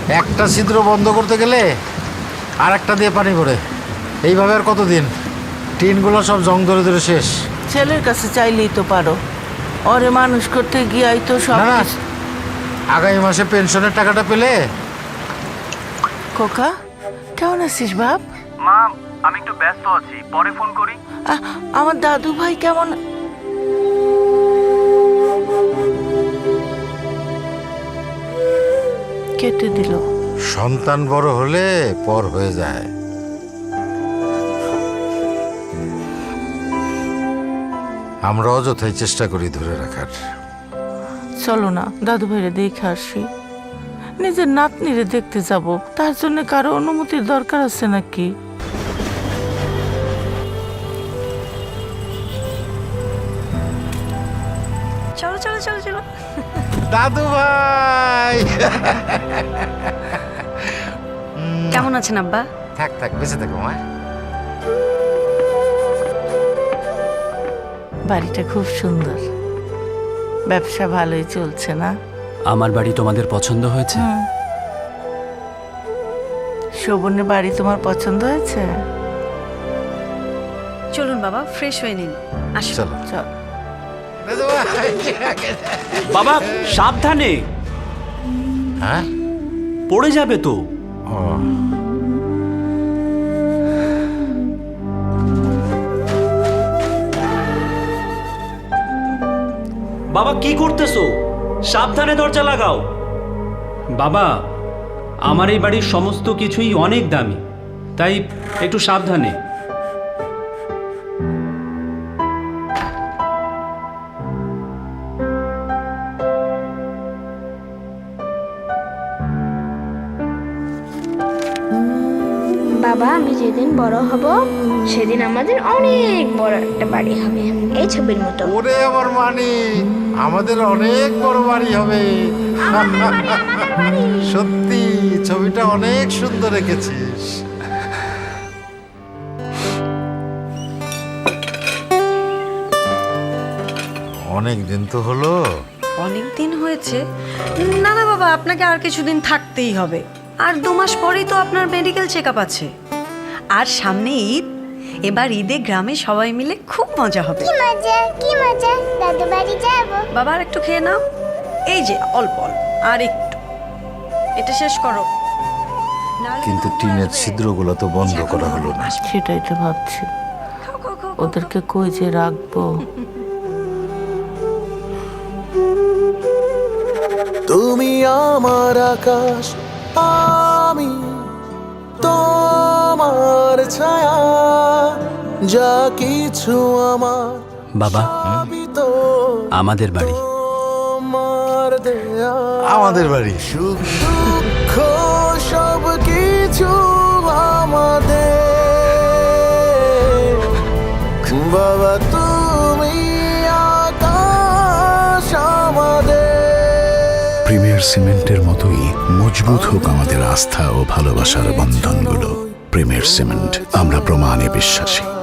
একটা ছিদ্র বন্ধ করতে গেলে আর একটা দিয়ে পানি পড়ে। এইভাবে আর কতদিন? টিনগুলো সব জং ধরে ধরে শেষ। ছেলের কাছে চাইলেই তো পারো, ওরে মানুষ করতে গিয়াই তো সব। না, আগামী মাসে পেনশনের টাকাটা পেলে। খোকা, কেমন আছিস বাপ? মা, আমি একটু ব্যস্ত আছি, পরে ফোন করি। আমার দাদু ভাই কেমন? কেটে দিল। সন্তান বড় হলে পর হয়ে যায়। আমরা অযথাই চেষ্টা করি ধরে রাখার। চলো না দাদু ভাইরে দেখে আসি। নিজের নাতনিরে দেখতে যাব, তার জন্য কারো অনুমতির দরকার আছে নাকি? চলো চলো চলো চলো। দাদু ভাই কেমন আছেন আব্বা? থাক থাক, বেঁচে থাকো মা। বাড়িটা খুব সুন্দর, ব্যবসা ভালোই চলছে না? আমার বাড়ি তোমাদের পছন্দ হয়েছে? শোভনের বাড়ি তোমার পছন্দ হয়েছে? চলুন বাবা, ফ্রেশ হয়ে নিন। আসুন। চলো চল। দাদু ভাই। বাবা সাবধানে, হ্যাঁ, পড়ে যাবে তো। ও, বাবা কি করতেছো? সাবধানে দরজা লাগাও। বাবা, আমার এই বাড়ির সমস্ত কিছুই অনেক দামি, তাই একটু সাবধানে। বাবা, আমি যেদিন বড় হব সেদিন আমাদের অনেক বড় একটা বাড়ি হবে, এই ছবির মতো। ওরে আমার মানি, আমাদের অনেক বড় বাড়ি হবে। সত্যি ছবিটা অনেক সুন্দর এঁকেছিস। অনেক দিন তো হলো। অনেক দিন হয়েছে। না না বাবা, আপনাকে আর কিছুদিন থাকতেই হবে। আর 2 মাস পরেই তো আপনার মেডিকেল চেক আপ আছে। আর সামনে ঈদ, এবার ঈদে গ্রামে সবাই মিলে খুব মজা হবে। কি মজা, কি মজা, দাদু বাড়ি যাব। বাবা আর একটু খেয়ে নাও, এই যে অল্প অল্প, আর একটু, এটা শেষ করো। নাহলে কিন্তু খুব টিনের মারবে। ছিদ্রগুলো তো বন্ধ করা হলো না। সেটাই তো ভাবছি, খাও, খাও, খাও, ওদেরকে কই যে রাখবো। তুমি আমার আকাশ, আমি তোমার ছায়া, যা কিছু আমার বাবা, সবই তো আমাদের বাড়ি। তোমার দেয়া। আমাদের বাড়ি। সুখ দুঃখ সব কিছু আমাদের। বাবা তুমি আকাশ আমাদের। প্রিমিয়ার সিমেন্টের মতোই মজবুত হোক আমাদের আস্থা ও ভালোবাসার বন্ধনগুলো। প্রিমিয়ার সিমেন্ট, আমরা প্রমাণে বিশ্বাসী।